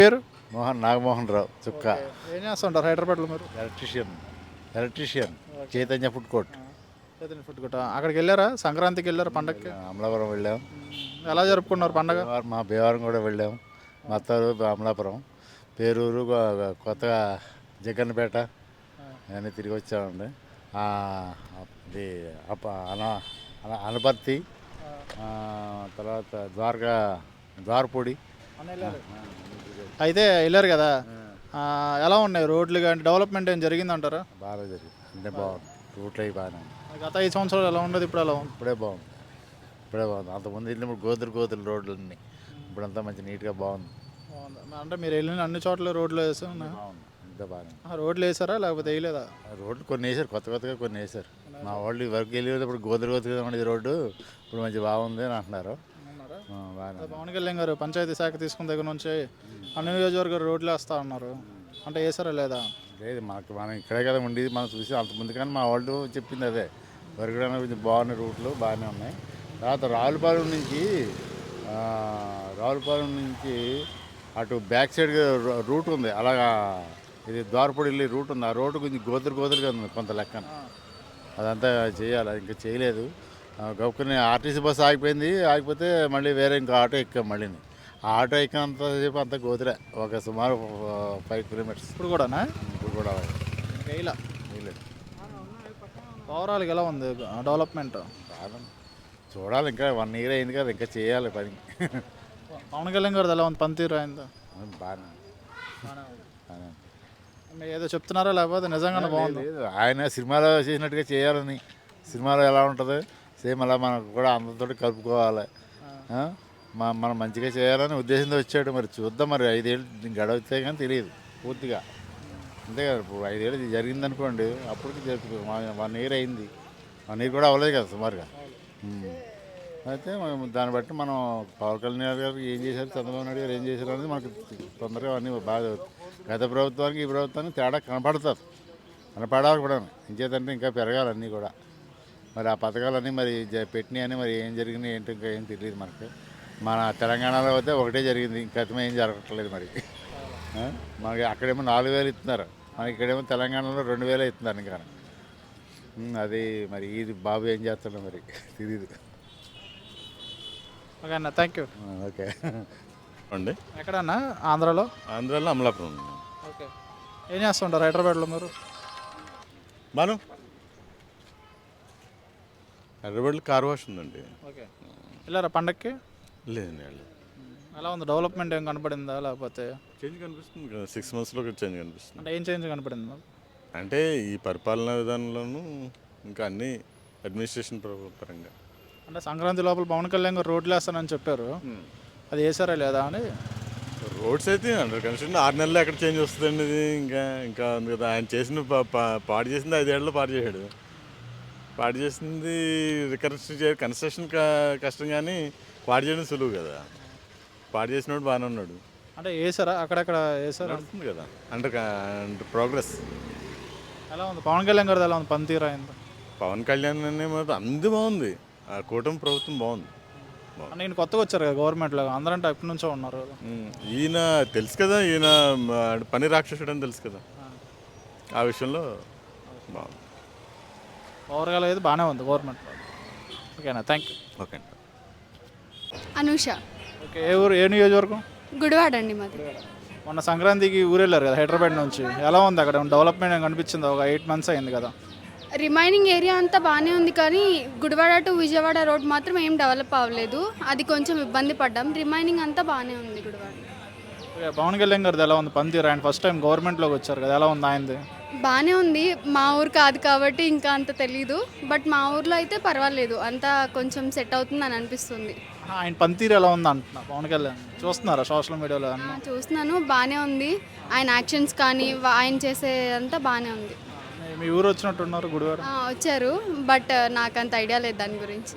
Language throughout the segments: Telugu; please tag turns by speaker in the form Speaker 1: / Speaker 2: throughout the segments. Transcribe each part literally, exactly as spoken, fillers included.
Speaker 1: పేరు?
Speaker 2: మోహన్ నాగమోహన్ రావు చుక్క.
Speaker 1: ఓకే. ఏం చేస్తుంటారు హైదరాబాద్లో మీరు?
Speaker 2: Electrician electrician
Speaker 1: okay.
Speaker 2: Chaitanya food court.
Speaker 1: Chaitanya food court. అక్కడికి వెళ్ళారా? సంక్రాంతికి వెళ్ళారా పండగకి?
Speaker 2: అమలాపురం వెళ్ళాం.
Speaker 1: మ్మ్. ఎలా జరుపుకున్నారు పండగ?
Speaker 2: భీమవరం- మా భీమవరం కూడా వెళ్ళాం. మా అత్తారు అమలాపురం, పేరూరు, గో- కొత్తగా జగన్పేట అన్నీ తిరిగి వచ్చామండి. ఆ, ఇది అప అన అన- అనపర్తి, ఆ, తర్వాత ద్వారకా ద్వారపూడి.
Speaker 1: అయితే వెళ్ళారు కదా, ఆ, ఎలా ఉన్నాయి రోడ్లు కానీ డెవలప్మెంట్ ఏం జరిగిందంటారా?
Speaker 2: బాగా జరిగింది, అంటే బాగుంది. రూట్లు అవి బాగానే ఉంది.
Speaker 1: గత ఐదు సంవత్సరాలు ఎలా ఉండదు, ఇప్పుడు ఎలా ఉంది?
Speaker 2: ఇప్పుడే బాగుంది, ఇప్పుడే బాగుంది. అంతకుముందు వెళ్ళినప్పుడు గోతులు గోతులు రోడ్లు అన్నీ, ఇప్పుడంతా మంచి నీట్గా బాగుంది.
Speaker 1: బాగుంది. అంటే మీరు వెళ్ళిన అన్ని చోట్ల రోడ్లు వేసి ఉన్నాయి.
Speaker 2: బాగుంది, ఇంత బాగానే ఉంది.
Speaker 1: రోడ్లు వేసారా లేకపోతే వేయలేదా?
Speaker 2: రోడ్లు కొన్ని వేసారు, కొత్త కొత్తగా కొన్ని వేసారు. మా వాళ్ళు వరకు వెళ్ళేటప్పుడు గోతులు గోతుగా ఉండేది రోడ్డు, ఇప్పుడు మంచి బాగుంది అని అంటున్నారు.
Speaker 1: ఉన్నారా?
Speaker 2: ఆ, బాగానే ఉంది.
Speaker 1: పవన్ కళ్యాణ్ గారు పంచాయతీ శాఖ తీసుకున్న దగ్గర నుంచి అన్ని నియోజకవర్గాలు రోడ్లు వేస్తా ఉన్నారు, అంటే వేసారా లేదా?
Speaker 2: లేదు, మనకి మనం ఇక్కడే కదా ఉండేది, మనం చూసి అంత ముందు కానీ మా వాళ్ళు చెప్పింది అదే. వరకడైనా కొంచెం బాగున్నాయి, రూట్లు బాగానే ఉన్నాయి. తర్వాత రావులపాలెం నుంచి ఆ, రావులపాలెం నుంచి అటు బ్యాక్ సైడ్ రూట్ ఉంది, అలాగా ఇది ద్వారపూడి వెళ్ళి రూట్ ఉంది. ఆ రోడ్డు కొంచెం గోతులు గోతులుగా ఉంది కొంత లెక్కన. అదంతా చేయాలి, ఇంకా చేయలేదు. గొప్పని ఆర్టీసీ బస్సు ఆగిపోయింది, ఆగిపోతే మళ్ళీ వేరే ఇంకో ఆటో ఎక్కాం. మళ్ళీని ఆ ఆటో ఎక్కినంతసేపు అంతా గోతులే, ఒక సుమారు ఫైవ్ కిలోమీటర్స్.
Speaker 1: ఇప్పుడు కూడానా?
Speaker 2: ఇప్పుడు కూడా అలాగే
Speaker 1: వేయలా.
Speaker 2: వేయలేదు.
Speaker 1: ఓవరాల్గా ఎలా ఉంది డెవలప్మెంట్?
Speaker 2: చాలా చూడాలి, ఇంకా వన్ ఇయర్ అయింది కదా, ఇంకా చేయాలి పని.
Speaker 1: పవన్ కళ్యాణ్ గారు ఎలా ఉంది పనితీరు అయిందా?
Speaker 2: బాగానే బాగానే ఉంది.
Speaker 1: మీరు ఏదో చెప్తున్నారా లేకపోతే నిజంగానే బాగుంది?
Speaker 2: లేదు, ఆయన సినిమాలో చేసినట్టుగా చేయాలని. సినిమాలో ఎలా ఉంటుంది సేమ్ అలా మనకు కూడా అందరితో కలుపుకోవాలి. ఆ? మా మనం మంచిగా చేయాలని ఉద్దేశంతో వచ్చాడు. మరి చూద్దాం, మరి ఐదేళ్ళు గడవతే కానీ తెలియదు పూర్తిగా. అంతే కదా, ఇప్పుడు ఐదేళ్ళు ఇది జరిగిందనుకోండి, అప్పటికి జరుగుతుంది. వన్ ఇయర్ అయింది, వన్ ఇయర్ కూడా అవ్వలేదు కదా సుమారుగా. ఉమ్. అయితే మనం దాన్ని బట్టి మనం పవన్ కళ్యాణ్ గారు ఏం చేశారు, చంద్రబాబు నాయుడు గారు ఏం చేశారు అనేది మనకు తొందరగా అన్నీ బాగా గత ప్రభుత్వానికి ఈ ప్రభుత్వానికి తేడా కనపడుతుంది, కనపడాలి కూడా. ఇంకేదంటే ఇంకా పెరగాలి అన్నీ కూడా. మరి ఆ పథకాలన్నీ మరి జ పెట్టినాయని మరి ఏం జరిగినాయి ఏంటి ఇంకా ఏం తెలియదు మనకి. మన తెలంగాణలో అయితే ఒకటే జరిగింది, ఇంకా ఏం జరగట్లేదు మరి. ఆ? మనకి అక్కడేమో నాలుగు వేలు ఇస్తున్నారు, మనకి ఇక్కడేమో తెలంగాణలో రెండు వేలే ఇస్తున్నారు ఇంకా. ఉమ్, అది మరి ఇది బాబు ఏం చేస్తున్నాడు మరి తెలియదు.
Speaker 1: ఓకే అన్న, థ్యాంక్ యూ.
Speaker 2: ఓకే
Speaker 3: అండి,
Speaker 1: ఎక్కడన్నా ఆంధ్రాలో?
Speaker 3: ఆంధ్రాలో అమలాపురం.
Speaker 1: ఓకే. ఏం చేస్తుంటారు హైదరాబాద్లో మీరు?
Speaker 3: మనం హైదరాబాద్లో కార్ వాష్ ఉందండి.
Speaker 1: ఓకే. వెళ్ళారా పండక్కి?
Speaker 3: లేదండి, వెళ్ళలేదు.
Speaker 1: ఎలా ఉంది డెవలప్మెంట్ ఏం కనపడిందా లేకపోతే?
Speaker 3: చేంజ్ కనిపిస్తుంది కదా, సిక్స్ మంత్స్లో చేంజ్ కనిపిస్తుంది.
Speaker 1: అంటే ఏం చేంజ్ కనపడింది మాకు?
Speaker 3: అంటే ఈ పరిపాలనా విధానంలోనూ ఇంకా అన్ని అడ్మినిస్ట్రేషన్ పరంగా.
Speaker 1: అంటే సంక్రాంతి లోపల పవన్ కళ్యాణ్ గారు రోడ్లు వేస్తానని చెప్పారు, అది వేసారా లేదా అని.
Speaker 3: రోడ్స్ అయితే అండర్ కన్స్ట్రక్షన్, ఆరు నెలలు ఎక్కడ చేంజ్ వస్తుందండి ఇది. ఇంకా ఇంకా ఉంది కదా, ఆయన చేసిన పా- పా- పాడు చేసింది ఐదేళ్లలో పాడు చేశాడు. పాడు చేసింది రికన్స్ట్రక్షన్ చే కన్స్ట్రక్షన్ క- కష్టం, కానీ పాడు చేయడం సులువు కదా. పాడు చేసినోడు బాగానే ఉన్నాడు.
Speaker 1: అంటే వేసారా అక్కడక్కడ వేసారా?
Speaker 3: నడుస్తుంది కదా, అండర్ అండర్ ప్రోగ్రెస్.
Speaker 1: ఎలా ఉంది పవన్ కళ్యాణ్ గారిది ఎలా ఉంది పనితీరు అయింది?
Speaker 3: పవన్ కళ్యాణ్ అనే మాత్రం అంది బాగుంది, ఆ కూటమి ప్రభుత్వం బాగుంది.
Speaker 1: అంటే ఈయన కొత్తగా వచ్చారు కదా గవర్నమెంట్లో, అందరంటే ఎప్పటి నుంచో ఉన్నారు కదా.
Speaker 3: ఉమ్, ఈయన తెలుసు కదా, ఈయన మ, పని రాక్షసుడు అని తెలుసు కదా, ఆ విషయంలో బాగుంది.
Speaker 1: ఓవరాల్ అయితే బాగానే ఉంది గవర్నమెంట్లో. ఓకేనా, థ్యాంక్ యూ.
Speaker 3: ఓకే అండి.
Speaker 4: అనూష,
Speaker 1: ఓకే. ఏ ఊరు, ఏ నియోజకవర్గం?
Speaker 4: గుడివాడ అండి మాది.
Speaker 1: మొన్న సంక్రాంతికి ఊరు వెళ్ళారు కదా హైదరాబాద్ నుంచి, ఎలా ఉంది అక్కడ డెవలప్మెంట్ ఏం కనిపించింది? ఒక ఎయిట్ మంత్స్ అయింది కదా.
Speaker 4: రిమైనింగ్ ఏరియా అంతా బాగానే ఉంది, కానీ గుడివాడ టు విజయవాడ రోడ్ మాత్రం ఏం డెవలప్ అవ్వలేదు, అది కొంచెం ఇబ్బంది పడ్డాం. రిమైనింగ్ అంతా బాగానే ఉంది గుడివాడ.
Speaker 1: ఓకే. పవన్ కళ్యాణ్ గారిది ఎలా ఉంది పనితీరు? ఆయన ఫస్ట్ టైం గవర్నమెంట్లోకి వచ్చారు కదా, ఎలా ఉంది ఆయనది?
Speaker 4: బాగానే ఉంది, మా ఊరు కాదు కాబట్టి ఇంకా అంత తెలీదు, బట్ మా ఊర్లో అయితే పర్వాలేదు, అంతా కొంచెం సెట్ అవుతుంది అని అనిపిస్తుంది.
Speaker 1: ఆ, ఆయన పనితీరు ఎలా ఉంది అంటున్నా పవన్ కళ్యాణ్ చూస్తున్నారా సోషల్ మీడియాలో
Speaker 4: ఆ,
Speaker 1: అన్న?
Speaker 4: చూస్తున్నాను, బాగానే ఉంది. ఆయన యాక్షన్స్ కానీ వా- ఆయన చేసే అంతా బాగానే ఉంది.
Speaker 1: మీ- మీ ఊరు వచ్చినట్టున్నారు గుడివాడ.
Speaker 4: ఆ, వచ్చారు, బట్ నాకు అంత ఐడియా లేదు దాని గురించి.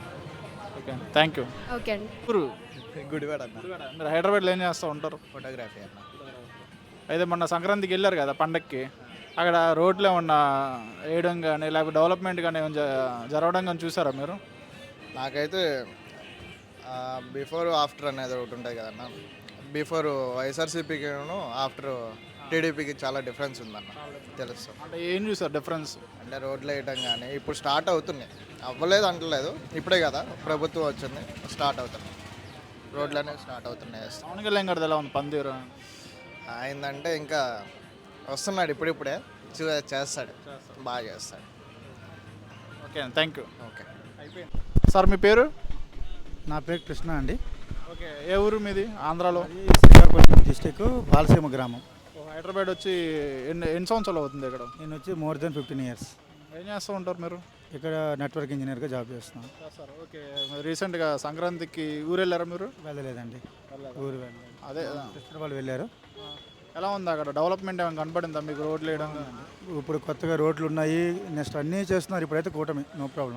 Speaker 1: Okay, thank you.
Speaker 4: ఓకే అండి.
Speaker 1: ఊరు
Speaker 5: గుడివాడ అన్న,
Speaker 1: గుడివాడ. మీరు హైదరాబాద్లో ఏం చేస్తూ ఉంటారు?
Speaker 5: ఫోటోగ్రఫీ అన్న.
Speaker 1: అయితే మొన్న సంక్రాంతికి వెళ్ళారు కదా పండక్కి, అక్కడ రోడ్లు ఏమన్నా వేయడం కానీ లేకపోతే డెవలప్మెంట్ కానీ ఏమైనా జ- జరగడం కానీ చూసారా మీరు?
Speaker 5: నాకైతే బిఫోర్ ఆఫ్టర్ అనేది ఒకటి ఉంటుంది కదన్న, బిఫోర్ వైఎస్ఆర్సీపీకి ఆఫ్టర్ టీడీపీకి చాలా డిఫరెన్స్ ఉందన్న తెలుసు.
Speaker 1: అంటే ఏం చూసారు డిఫరెన్స్?
Speaker 5: అంటే రోడ్లు వేయటం కానీ ఇప్పుడు స్టార్ట్ అవుతున్నాయి, అవ్వలేదు అంటలేదు, ఇప్పుడే కదా ప్రభుత్వం వచ్చింది, స్టార్ట్ అవుతున్నాయి, రోడ్లు అనేవి స్టార్ట్ అవుతున్నాయి.
Speaker 1: పవన్ కళ్యాణ్ గారిది ఎలా ఉంది పనితీరు?
Speaker 5: ఆయనంటే ఇంకా వస్తున్నాడు, ఇప్పుడిప్పుడే చూ చేస్తాడు, బాగా చేస్తాడు.
Speaker 1: Okay thank you.
Speaker 5: Okay.
Speaker 1: Sir మీ పేరు?
Speaker 6: నా పేరు కృష్ణ అండి.
Speaker 1: ఓకే, ఏ ఊరు మీది ఆంధ్రాలో?
Speaker 6: శ్రీకాకుళం డిస్టిక్ బాలసీమ గ్రామం.
Speaker 1: హైదరాబాద్ వచ్చి ఎన్ని ఎన్ని సంవత్సరాలు అవుతుంది ఇక్కడ?
Speaker 6: నేను వచ్చి మోర్ దెన్ ఫిఫ్టీన్ ఇయర్స్
Speaker 1: ఏం చేస్తూ ఉంటారు మీరు?
Speaker 6: ఇక్కడ నెట్వర్క్ ఇంజనీర్గా జాబ్ చేస్తున్నాను.
Speaker 1: సార్ ఓకే, రీసెంట్గా సంక్రాంతికి ఊరు వెళ్ళారా మీరు?
Speaker 6: వెళ్ళలేదండి, ఊరు వెళ్ళలేదు.
Speaker 1: అదే
Speaker 6: సిస్టర్ వాళ్ళు వెళ్ళారు.
Speaker 1: ఎలా ఉంది అక్కడ డెవలప్మెంట్ ఏమైనా కనపడిందా మీకు? రోడ్లు వేయడం
Speaker 6: ఇప్పుడు కొత్తగా రోడ్లు ఉన్నాయి, నెక్స్ట్ అన్నీ చేస్తున్నారు. ఇప్పుడైతే కూటమి, నో ప్రాబ్లం,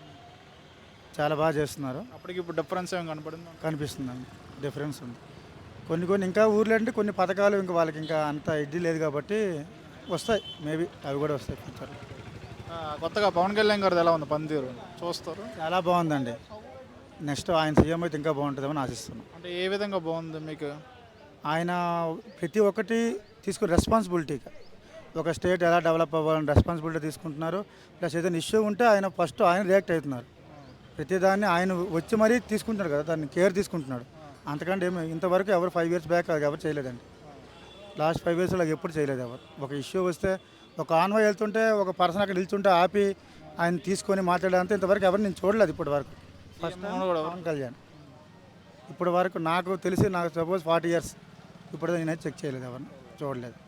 Speaker 6: చాలా బాగా చేస్తున్నారు.
Speaker 1: అప్పటికి ఇప్పుడు డిఫరెన్స్ ఏమైనా కనపడిందా?
Speaker 6: కనిపిస్తుందండి, డిఫరెన్స్ ఉంది. కొన్ని కొన్ని ఇంకా ఊర్లో అంటే కొన్ని పథకాలు ఇంకా వాళ్ళకి ఇంకా అంత ఇది లేదు కాబట్టి వస్తాయి, మేబీ అవి కూడా వస్తాయి ఫ్యూచర్లో.
Speaker 1: ఆ, కొత్తగా పవన్ కళ్యాణ్ గారిది ఎలా ఉంది పనితీరు? చూస్తారు?
Speaker 6: చాలా బాగుందండి. నెక్స్ట్ ఆయన సీఎం అయితే ఇంకా బాగుంటుందని ఆశిస్తున్నాం.
Speaker 1: అంటే ఏ విధంగా బాగుంది మీకు?
Speaker 6: ఆయన ప్రతి ఒక్కటి తీసుకుని రెస్పాన్సిబిలిటీగా ఒక స్టేట్ ఎలా డెవలప్ అవ్వాలని రెస్పాన్సిబిలిటీ తీసుకుంటున్నారు. ప్లస్ ఏదైనా ఇష్యూ ఉంటే ఆయన ఫస్ట్ ఆయన రియాక్ట్ అవుతున్నారు. ప్రతిదాన్ని ఆయన వచ్చి మరీ తీసుకుంటున్నాడు కదా, దాన్ని కేర్ తీసుకుంటున్నాడు. అంతకంటే ఏమి ఇంతవరకు ఎవరు ఫైవ్ ఇయర్స్ బ్యాక్ ఎవరు చేయలేదండి. లాస్ట్ ఫైవ్ ఇయర్స్లో ఎప్పుడు చేయలేదు ఎవరు. ఒక ఇష్యూ వస్తే ఒక ఆన్వై వెళ్తుంటే ఒక పర్సన్ అక్కడ నిల్చుంటే ఆపి ఆయన తీసుకొని మాట్లాడేంత ఇంతవరకు ఎవరు నేను చూడలేదు ఇప్పటి వరకు. First time Pawan Kalyan. ఇప్పటి వరకు నాకు తెలిసి నాకు సపోజ్ ఫార్టీ ఇయర్స్ ఇప్పుడు నేనైతే చెక్ చేయలేదు, ఎవరిని చూడలేదు.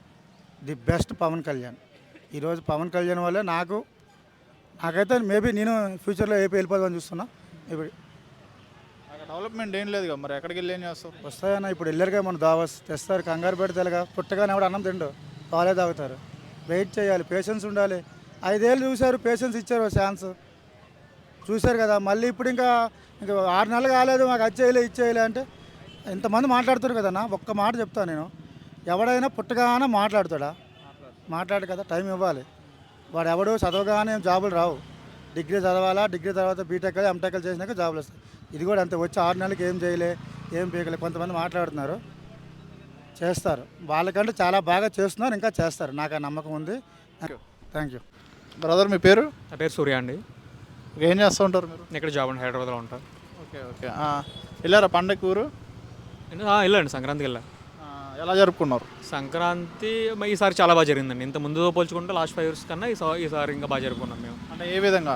Speaker 6: The best Pawan Kalyan. ఈరోజు పవన్ కళ్యాణ్ వల్లే నాకు నాకైతే మేబీ నేను ఫ్యూచర్లో ఏపీ వెళ్ళిపోదామని చూస్తున్నా. ఇప్పుడు
Speaker 1: అక్కడ డెవలప్మెంట్ ఏం లేదు కదా, మరి ఎక్కడికి వెళ్ళి ఏం చేస్తారు?
Speaker 6: వస్తాయన్న, ఇప్పుడు వెళ్ళరుగా మన దావస్ తెస్తారు, కంగారు పెడతారుగా, పుట్టగానే ఎవడు అన్నం తిండు, పాలే తాగుతారు. వెయిట్ చేయాలి, పేషెన్స్ ఉండాలి. ఐదేళ్ళు చూశారు, పేషెన్స్ ఇచ్చారు, ఛాన్స్ చూశారు కదా. మళ్ళీ ఇప్పుడు ఇంకా ఇంకా ఆరు నెలలు కాలేదు మాకు అది చేయలే ఇది చేయలే అంటే ఇంతమంది మాట్లాడుతారు కదన్నా. ఒక్క మాట చెప్తాను నేను, ఎవడైనా పుట్టగానే మాట్లాడతాడా? మాట్లాడు కదా, టైం ఇవ్వాలి. వాడు ఎవడు చదవగానే జాబులు రావు. డిగ్రీ చదవాలా, డిగ్రీ తర్వాత బీటెక్ ఎంటెక్ చేసినాక జాబులు వస్తాయి. ఇది కూడా అంతే, వచ్చి ఆరు నెలలకి ఏం చేయలే ఏం పీకలే. కొంతమంది మాట్లాడుతున్నారు, చేస్తారు. వాళ్ళకంటే చాలా బాగా చేస్తున్నారు, ఇంకా చేస్తారు, నాకు ఆ నమ్మకం ఉంది. Thank you.
Speaker 1: బ్రదర్ మీ పేరు?
Speaker 7: నా పేరు సూర్య అండి.
Speaker 1: ఏం చేస్తూ ఉంటారు మీరు?
Speaker 7: ఇక్కడ జాబ్ అండి, హైదరాబాద్లో ఉంటాను.
Speaker 1: ఓకే ఓకే, వెళ్ళారా పండగ ఊరు?
Speaker 7: నేను వెళ్ళండి, సంక్రాంతికి వెళ్ళా.
Speaker 1: ఎలా జరుపుకున్నారు
Speaker 7: సంక్రాంతి మ- ఈసారి చాలా బాగా జరిగిందండి. ఇంత ముందుతో పోల్చుకుంటే లాస్ట్ ఫైవ్ ఇయర్స్ కన్నా ఈసారి ఈసారి ఇంకా బాగా జరుపుకున్నాం మేము.
Speaker 1: అంటే ఏ విధంగా?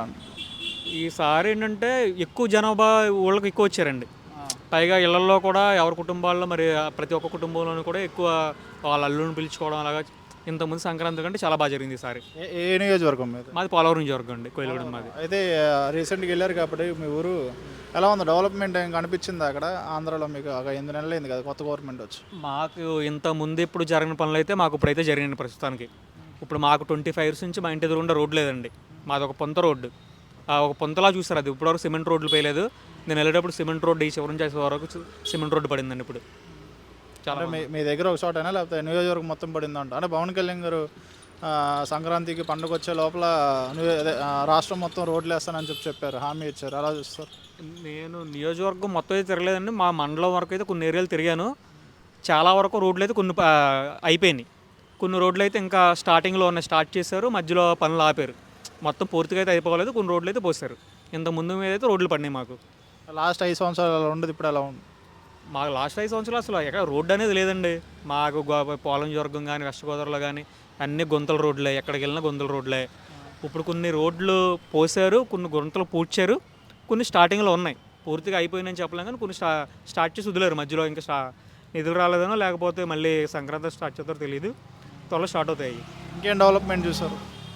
Speaker 7: ఈసారి ఏంటంటే ఎక్కువ జనాభా ఊళ్ళకి ఎక్కువ వచ్చారండి. పైగా ఇళ్లలో కూడా ఎవరి కుటుంబాల్లో మరి ప్రతి ఒక్క కుటుంబంలోనూ కూడా ఎక్కువ వాళ్ళ అల్లుని పిలుచుకోవడం అలాగా ఇంతకుముందు సంక్రాంతి కంటే చాలా బాగా జరిగింది ఈసారి.
Speaker 1: ఏ ఏ నియోజకవర్గం మీద?
Speaker 7: మాది పోలవరం నియోజకవర్గం అండి, కోయిలగూడెం మాది.
Speaker 1: అయితే రీసెంట్గా వెళ్ళారు కాబట్టి మీ ఊరు ఎలా ఉంది? డెవలప్మెంట్ ఏం కనిపించింది అక్కడ ఆంధ్రాలో మీకు? ఒక ఎనిమిది నెలలు అయింది కదా కొత్త గవర్నమెంట్ వచ్చి.
Speaker 7: మాకు ఇంత ముందు ఇప్పుడు జరిగిన పనులు అయితే మాకు ఇప్పుడైతే జరిగిన ప్రస్తుతానికి. ఇప్పుడు మాకు ట్వంటీ ఫైవ్ ఇయర్స్ నుంచి మా ఇంటి ఎదురుగుండా రోడ్ లేదండి. మాది ఒక పొంత రోడ్డు, ఒక పొంతలా చూస్తారు. అది ఇప్పటివరకు సిమెంట్ రోడ్లు పోయలేదు. నేను వెళ్ళేటప్పుడు సిమెంట్ రోడ్డు ఈ చివరి నుంచి చేసే వరకు సిమెంట్ రోడ్డు పడిందండి. ఇప్పుడు చాలా
Speaker 1: మీ మీ దగ్గర ఒక చోటైనా లేకపోతే నియోజకవర్గం మొత్తం పడిందంట? అంటే పవన్ కళ్యాణ్ గారు ఆ, సంక్రాంతికి పండుగ వచ్చే లోపల నియో- అదే, ఆ, రాష్ట్రం మొత్తం రోడ్లు వేస్తానని చెప్పి చెప్పారు, హామీ ఇచ్చారు. అలా చూస్తారు?
Speaker 7: నేను నియోజకవర్గం మొత్తం అయితే తిరగలేదండి. మా మండలం వరకు అయితే కొన్ని ఏరియాలు తిరిగాను. చాలా వరకు రోడ్లు అయితే కొన్ని ఆ, అయిపోయినాయి. కొన్ని రోడ్లు అయితే ఇంకా స్టార్టింగ్లో ఉన్నాయి, స్టార్ట్ చేశారు, మధ్యలో పనులు ఆపారు. మొత్తం పూర్తిగా అయితే అయిపోలేదు. కొన్ని రోడ్లు అయితే పోసారు. ఇంత ముందు మీద అయితే రోడ్లు పడినాయి మాకు.
Speaker 1: లాస్ట్ ఐదు సంవత్సరాలు అలా ఉండదు, ఇప్పుడు ఎలా ఉంది?
Speaker 7: మాకు లాస్ట్ ఐదు సంవత్సరాలు అసలు ఎక్కడ రోడ్డు అనేది లేదండి. మాకు గో- పోలం వర్గం కానీ వెస్ట్ గోదావరిలో కానీ అన్ని గుంతల రోడ్లే, ఎక్కడికి వెళ్ళినా గుంతల రోడ్లే. ఇప్పుడు కొన్ని రోడ్లు పోసారు, కొన్ని గుంతలు పూడ్చారు, కొన్ని స్టార్టింగ్లో ఉన్నాయి. పూర్తిగా అయిపోయిందని చెప్పలేం కానీ కొన్ని స్టా స్టార్ట్ చేసి వదిలేరు మధ్యలో. ఇంకా స్టా నిధులు రాలేదనో లేకపోతే మళ్ళీ సంక్రాంతి స్టార్ట్ చేస్తారో తెలియదు, త్వరలో స్టార్ట్ అవుతాయి.
Speaker 1: ఇంకేం డెవలప్మెంట్ చూసారు?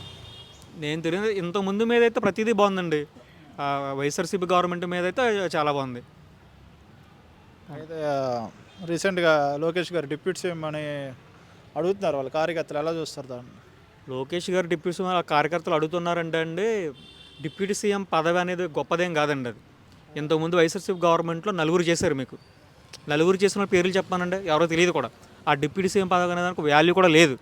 Speaker 7: నేను తిరిగి ఇంత ముందు మీద అయితే ప్రతిదీ బాగుందండి. ఆ, వైఎస్ఆర్సీపీ గవర్నమెంట్ మీద అయితే చాలా బాగుంది.
Speaker 1: అయితే రీసెంట్గా లోకేష్ గారు డిప్యూటీ సీఎం అని అడుగుతున్నారు, వాళ్ళ కార్యకర్తలు ఎలా చూస్తారు దాన్ని?
Speaker 7: లోకేష్ గారు డిప్యూటీ సీఎం కార్యకర్తలు అడుగుతున్నారంటే అండి, డిప్యూటీ సీఎం పదవి అనేది గొప్పదేం కాదండి. అది ఇంతకుముందు వైఎస్ఆర్సీపీ గవర్నమెంట్లో నలుగురు చేశారు. మీకు నలుగురు చేసిన పేర్లు చెప్పానండి, ఎవరో తెలియదు కూడా. ఆ డిప్యూటీ సీఎం పదవి అనే దానికి వాల్యూ కూడా లేదు.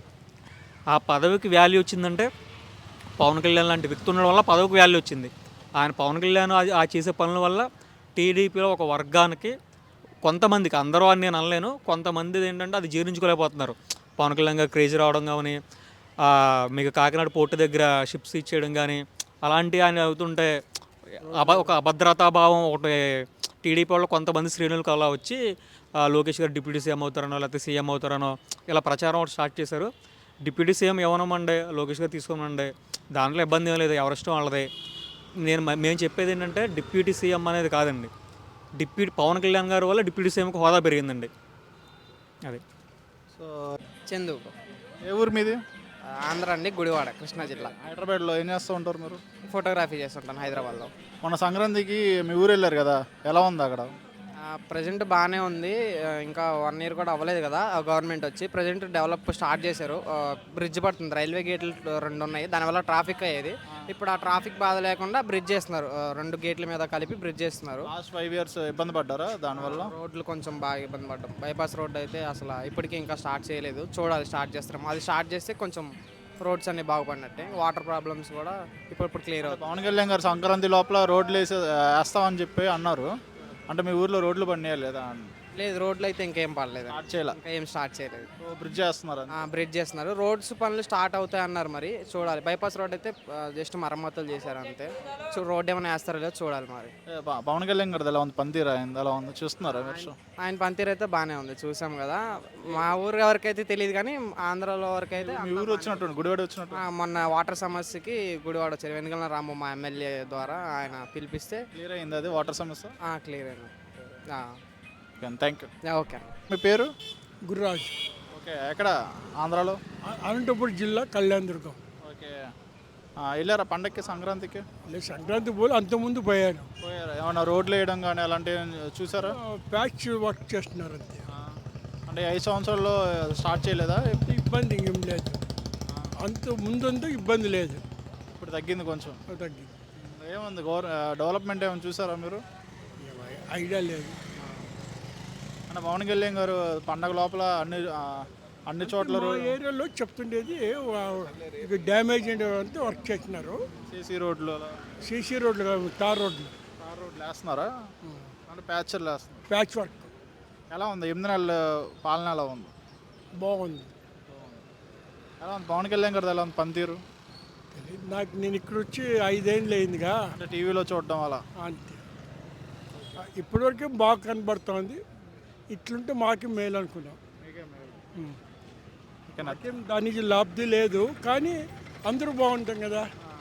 Speaker 7: ఆ పదవికి వాల్యూ వచ్చిందంటే పవన్ కళ్యాణ్ లాంటి వ్యక్తి ఉండడం వల్ల పదవికి వాల్యూ వచ్చింది. ఆయన పవన్ కళ్యాణ్ ఆ చేసే పనుల వల్ల టీడీపీలో ఒక వర్గానికి కొంతమందికి, అందరూ అని నేను అనలేను, కొంతమంది ఏంటంటే అది జీర్ణించుకోలేకపోతున్నారు. పవన్ కళ్యాణ్ గారు క్రేజీ రావడం కానీ, మీకు కాకినాడ పోర్టు దగ్గర షిప్స్ ఇచ్చేయడం కానీ, అలాంటివి ఆయన అవుతుంటే అబ ఒక అభద్రతాభావం ఒకటి టీడీపీ వాళ్ళు కొంతమంది శ్రేణులకు అలా వచ్చి ఆ, లోకేష్ గారు డిప్యూటీ సీఎం అవుతారనో లేకపోతే సీఎం అవుతారనో ఇలా ప్రచారం ఒకటి స్టార్ట్ చేశారు. డిప్యూటీ సీఎం ఇవ్వనమండి, లోకేష్ గారు తీసుకోమండి, దాంట్లో ఇబ్బంది ఏం లేదు, ఎవరిష్టం వాళ్ళదే. నేను మ- మేము చెప్పేది ఏంటంటే డిప్యూటీ సీఎం అనేది కాదండి, డిప్యూటీ పవన్ కళ్యాణ్ గారి వల్ల డిప్యూటీ సీఎంకి హోదా పెరిగిందండి. అది
Speaker 1: సో
Speaker 8: చందు
Speaker 1: ఏ ఊరు మీది?
Speaker 8: ఆంధ్ర అండి, గుడివాడ, కృష్ణా జిల్లా.
Speaker 1: హైదరాబాద్లో ఏం చేస్తూ ఉంటారు మీరు?
Speaker 8: ఫోటోగ్రఫీ చేస్తుంటాను హైదరాబాద్లో.
Speaker 1: మన సంక్రాంతికి మీ ఊరు వెళ్ళారు కదా, ఎలా ఉంది అక్కడ?
Speaker 8: ప్రజెంట్ బాగానే ఉంది. ఆ, ఇంకా వన్ ఇయర్ కూడా అవ్వలేదు కదా గవర్నమెంట్ వచ్చి. ప్రజెంట్ డెవలప్ స్టార్ట్ చేశారు. బ్రిడ్జ్ పడుతుంది, రైల్వే గేట్లు రెండు ఉన్నాయి, దానివల్ల ట్రాఫిక్ అయ్యేది. ఇప్పుడు ఆ ట్రాఫిక్ బాధ లేకుండా బ్రిడ్జ్ చేస్తున్నారు, ఆ, రెండు గేట్ల మీద కలిపి బ్రిడ్జ్ చేస్తున్నారు.
Speaker 1: లాస్ట్ ఫైవ్ ఇయర్స్ ఇబ్బంది పడ్డారా దానివల్ల?
Speaker 8: రోడ్లు కొంచెం బాగా ఇబ్బంది పడ్డాం. బైపాస్ రోడ్ అయితే అసలు ఇప్పటికీ ఇంకా స్టార్ట్ చేయలేదు, చూడాలి స్టార్ట్ చేస్తాం. అది స్టార్ట్ చేస్తే కొంచెం రోడ్స్ అన్ని బాగుపడినట్టే. వాటర్ ప్రాబ్లమ్స్ కూడా ఇప్పుడు ఇప్పుడు క్లియర్ అవుతాయి.
Speaker 1: పవన్ కళ్యాణ్ గారు సంక్రాంతి లోపల రోడ్లు వేసి వేస్తామని చెప్పి అన్నారు, అంటే మీ ఊర్లో రోడ్లు పడినాయా లేదా?
Speaker 8: లేదు, రోడ్లు అయితే ఇంకేం పడలేదు,
Speaker 1: స్టార్ట్ చేయాలి,
Speaker 8: ఇంకా ఏం స్టార్ట్ చేయలేదు.
Speaker 1: బ్రిడ్జ్ చేస్తున్నారు.
Speaker 8: బ్రిడ్జ్ చేస్తున్నారు, రోడ్స్ పనులు స్టార్ట్ అవుతాయి అన్నారు, మరి చూడాలి. బైపాస్ రోడ్ అయితే జస్ట్ మరమ్మతులు చేశారు అంతే. సో రోడ్ ఏమైనా వేస్తారో లేదో చూడాలి మరి.
Speaker 1: ఏ, ప- పవన్ కళ్యాణ్ గారు ఎలా ఉంది, పనితీరు అయింది ఎలా ఉంది చూస్తున్నారా మీరు?
Speaker 8: ఆయన పనితీరు అయితే బాగానే ఉంది, చూసాం కదా. మా ఊరు వరకైతే తెలియదు కానీ ఆంధ్రాలో వరకు అయితే
Speaker 1: మీ ఊరు వచ్చినట్టు గుడివాడ వచ్చినట్టు
Speaker 8: మొన్న వాటర్ సమస్యకి గుడివాడ వచ్చారు. వెనుకల రాము మా ఎమ్మెల్యే ద్వారా ఆయన పిలిపిస్తే
Speaker 1: క్లియర్ అయింది అది వాటర్ సమస్య.
Speaker 8: క్లియర్ అయినా.
Speaker 1: Thank you.
Speaker 8: ఓకే.
Speaker 1: మీ పేరు?
Speaker 9: గురురాజ్,
Speaker 1: ఓకే, ఎక్కడ ఆంధ్రాలో?
Speaker 9: అ- అనంతపురం జిల్లా కళ్యాణదుర్గం.
Speaker 1: ఓకే, ఆ, వెళ్ళారా పండక్కి సంక్రాంతికి?
Speaker 9: నేను సంక్రాంతి పోలు అంతకుముందు పోయాను.
Speaker 1: పోయారా? ఏమన్నా రోడ్లు వేయడం కానీ అలాంటివి చూసారా?
Speaker 9: ఆ, ప్యాచ్ వర్క్ చేస్తున్నారు అంతే.
Speaker 1: ఆ, అంటే ఐదు సంవత్సరాల్లో స్టార్ట్ చేయలేదా?
Speaker 9: ఇబ్బంది ఇంకేం లేదు, అంత ముందంతా ఇబ్బంది లేదు,
Speaker 1: ఇప్పుడు తగ్గింది కొంచెం.
Speaker 9: తగ్గింది.
Speaker 1: ఏముంది గవర్ డెవలప్మెంట్ ఏమైనా చూసారా మీరు?
Speaker 9: ఏం ఐడియా లేదు.
Speaker 1: అంటే పవన్ కళ్యాణ్ గారు పండగ లోపల అన్ని ఆ, అన్ని చోట్ల
Speaker 9: మా ఏరియాలో చెప్తుండేది వా- ఇక డ్యామేజ్ అంతా వర్క్ చేస్తున్నారు.
Speaker 1: సీసీ రోడ్లు అలా
Speaker 9: సీసీ రోడ్లు కాదు, తార్ రోడ్లు,
Speaker 1: తార్ రోడ్లు వేస్తున్నారా? అంటే ప్యాచర్లు వేస్తున్నారు.
Speaker 9: ప్యాచ్ వర్క్
Speaker 1: ఎలా ఉంది ఎనిమిది నెలల పాలన ఎలా ఉంది?
Speaker 9: బాగుంది.
Speaker 1: ఎలా ఉంది పవన్ కళ్యాణ్ గారు ఎలా ఉంది పనితీరు?
Speaker 9: తెలీదు నాకు, నేను ఇక్కడ వచ్చి ఐదేళ్ళు అయిందిగా,
Speaker 1: అంటే టీవీలో చూడడం అలా.
Speaker 9: అంతే. ఇప్పటివరకే బాగా కనబడుతోంది, ఇట్లుంటే మాకే మేలు అనుకున్నాం. ఉం.
Speaker 1: ఓకేనా?
Speaker 9: నాకేం దానికి లాభం లేదు, కానీ అందరూ బాగుంటాం కదా,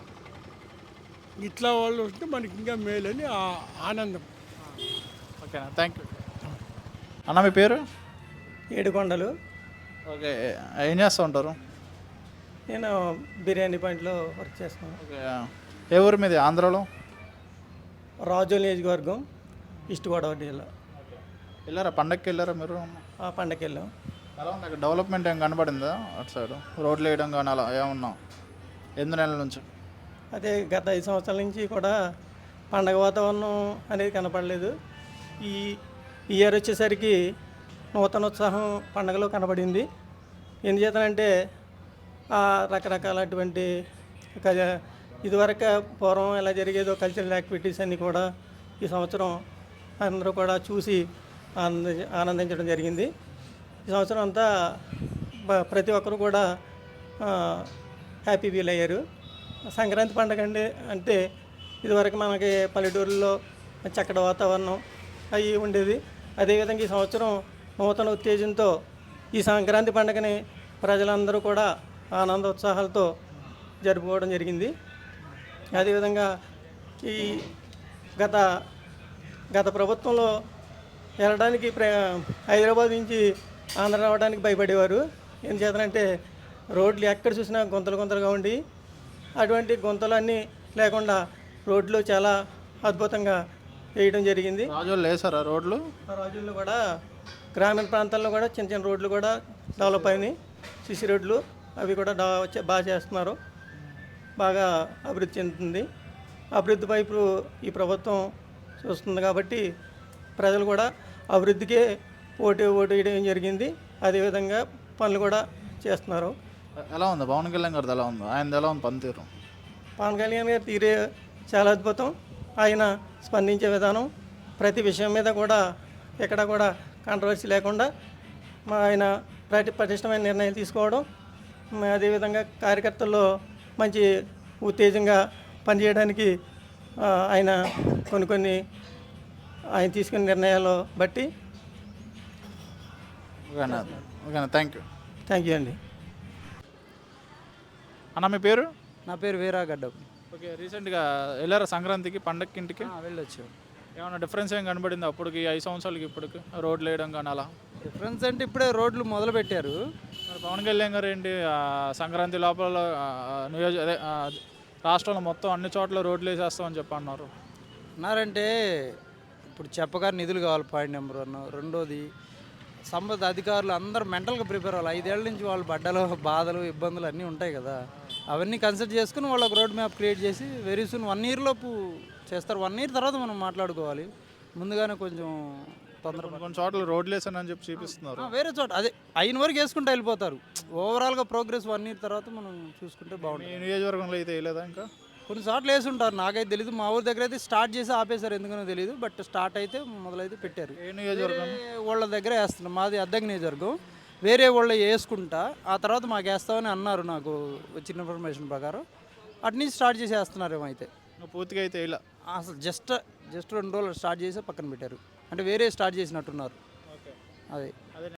Speaker 9: ఇట్లా వాళ్ళు ఉంటే మనకి ఇంకా మేలని ఆ- ఆనందం.
Speaker 1: ఓకేనా, థ్యాంక్ యూ. అన్న మీ పేరు?
Speaker 10: ఏడుకొండలు.
Speaker 1: ఓకే, ఏం చేస్తూ ఉంటారు?
Speaker 10: నేను బిర్యానీ పాయింట్లో వర్క్ చేస్తున్నాను.
Speaker 1: ఓకే, ఏ ఊరు మీది ఆంధ్రాలో?
Speaker 10: రాజోల్ నియోజకవర్గం, ఈస్ట్ గోదావరి జిల్లా.
Speaker 1: వెళ్ళారా పండగకి వెళ్ళారా మీరు?
Speaker 10: ఆ పండగకి వెళ్ళాం.
Speaker 1: ఎలా ఉంది అక్కడ డెవలప్మెంట్ ఏం కనబడిందా అటు సైడ్? రోడ్లు వేయడం కానీ అలా ఏమన్నా ఎనిమిది నెలల నుంచి?
Speaker 10: అదే గత ఐదు సంవత్సరాల నుంచి కూడా పండగ వాతావరణం అనేది కనపడలేదు. ఈ ఈ ఇయర్ వచ్చేసరికి నూతన ఉత్సాహం పండగలో కనబడింది. ఎందుచేతనంటే ఆ రకరకాలటువంటి క- ఇదివరకు పూర్వం ఎలా జరిగేదో కల్చరల్ యాక్టివిటీస్ అన్నీ కూడా ఈ సంవత్సరం అందరూ కూడా చూసి ఆనంద ఆనందించడం జరిగింది. ఈ సంవత్సరం అంతా బ- ప్రతి ఒక్కరు కూడా హ్యాపీ ఫీల్ అయ్యారు. సంక్రాంతి పండుగ అంటే అంటే ఇదివరకు మనకి పల్లెటూరులో చక్కటి వాతావరణం అవి ఉండేది. అదేవిధంగా ఈ సంవత్సరం నూతన ఉత్తేజంతో ఈ సంక్రాంతి పండుగని ప్రజలందరూ కూడా ఆనంద ఉత్సాహాలతో జరుపుకోవడం జరిగింది. అదేవిధంగా ఈ గత గత ప్రభుత్వంలో వెళ్ళడానికి ప్ర హైదరాబాద్ నుంచి ఆంధ్ర రావడానికి భయపడేవారు. ఎందుచేతనంటే రోడ్లు ఎక్కడ చూసినా గుంతలు గుంతలుగా ఉండి, అటువంటి గుంతలన్నీ లేకుండా రోడ్లు చాలా అద్భుతంగా వేయడం జరిగింది.
Speaker 1: రాజోళ్ళు వేసారా రోడ్లు?
Speaker 10: ఆ రోజుల్లో కూడా గ్రామీణ ప్రాంతాల్లో కూడా చిన్న చిన్న రోడ్లు కూడా డెవలప్ అయినాయి. సిసి రోడ్లు అవి కూడా డా- చే- బాగా చేస్తున్నారు, బాగా అభివృద్ధి చెందుతుంది. అభివృద్ధి వైపు ఈ ప్రభుత్వం చూస్తుంది కాబట్టి ప్రజలు కూడా అభివృద్ధికే ఓటు ఓటు వేయడం జరిగింది. అదేవిధంగా పనులు కూడా చేస్తున్నారు.
Speaker 1: ఎలా ఉంది పవన్ కళ్యాణ్ గారిది ఎలా ఉంది? ఆయనది ఎలా ఉంది పనితీరు?
Speaker 10: పవన్ కళ్యాణ్ గారి తీరే చాలా అద్భుతం. ఆయన స్పందించే విధానం, ప్రతి విషయం మీద కూడా ఎక్కడ కూడా కాంట్రవర్సీ లేకుండా మా ఆయన ప్రతి పటిష్టమైన నిర్ణయాలు తీసుకోవడం, మ- అదేవిధంగా కార్యకర్తల్లో మంచి ఉత్తేజంగా పనిచేయడానికి ఆ, ఆయన కొన్ని కొన్ని ఆయన తీసుకున్న నిర్ణయాలు బట్టి
Speaker 1: ఓకేనా ఓకేనా థ్యాంక్ యూ
Speaker 10: థ్యాంక్ యూ అండి.
Speaker 1: అన్న మీ పేరు?
Speaker 11: నా పేరు వీరాగడ్డ.
Speaker 1: ఓకే, రీసెంట్గా వెళ్ళారా సంక్రాంతికి పండగకి ఇంటికి?
Speaker 11: వెళ్ళొచ్చు.
Speaker 1: ఏమన్నా డిఫరెన్స్ ఏం కనబడింది అప్పటికి ఐదు సంవత్సరాలకి ఇప్పటికి రోడ్లు వేయడం కానీ అలా?
Speaker 11: డిఫరెన్స్ అంటే ఇప్పుడే రోడ్లు మొదలు పెట్టారు.
Speaker 1: మరి పవన్ కళ్యాణ్ గారు ఏంటి ఆ, సంక్రాంతి లోపల ఆ, నియోజక అదే ఆ, రాష్ట్రంలో మొత్తం అన్ని చోట్ల రోడ్లు వేసేస్తామని చెప్పి అన్నారు.
Speaker 11: అన్నారంటే ఇప్పుడు చెప్పగా నిధులు కావాలి పాయింట్ నెంబర్ వన్. రెండోది సంబంధిత అధికారులు అందరూ మెంటల్గా ప్రిపేర్ అవ్వాలి. ఐదేళ్ల నుంచి వాళ్ళు పడ్డలు బాధలు ఇబ్బందులు అన్నీ ఉంటాయి కదా, అవన్నీ కన్సిడర్ చేసుకుని వాళ్ళకి రోడ్ మ్యాప్ క్రియేట్ చేసి వెరీ సూన్ వన్ ఇయర్ లోపు చేస్తారు. వన్ ఇయర్ తర్వాత మనం మాట్లాడుకోవాలి, ముందుగానే కొంచెం తొందర
Speaker 1: కొన్ని కొన్ని చోట్ల రోడ్లు వేసానని చెప్పి చూపిస్తున్నారు.
Speaker 11: వేరే చోట అదే అయిన వరకు వేసుకుంటూ వెళ్ళిపోతారు. ఓవరాల్గా ప్రోగ్రెస్ వన్ ఇయర్ తర్వాత మనం చూసుకుంటే
Speaker 1: మీ
Speaker 11: బాగుంటుంది.
Speaker 1: నియోజకవర్గంలో అయితే వేయలేదా ఇంకా?
Speaker 11: కొన్ని చోట్ల వేసి ఉంటారు, నాకైతే తెలియదు. మా ఊరి దగ్గర అయితే స్టార్ట్ చేసి ఆపేశారు, ఎందుకనో తెలియదు. బట్ స్టార్ట్ అయితే మొదలైతే పెట్టారు.
Speaker 1: ఏ నియోజకవర్గం?
Speaker 11: వేరే వాళ్ళ దగ్గర వేస్తున్నాం, మాది అద్దెకి నియోజకవర్గం. వేరే వాళ్ళు వేసుకుంటా ఆ తర్వాత మాకు వేస్తామని అన్నారు, నాకు వచ్చిన ఇన్ఫర్మేషన్ ప్రకారం. అటు నుంచి స్టార్ట్ చేసి వేస్తున్నారేమో అయితే.
Speaker 1: నువ్వు పూర్తిగా అయితే వేయలే?
Speaker 11: అసలు జస్ట్ జస్ట్ రెండు రోజులు స్టార్ట్ చేసి పక్కన పెట్టారు, అంటే వేరే స్టార్ట్ చేసినట్టున్నారు. అదే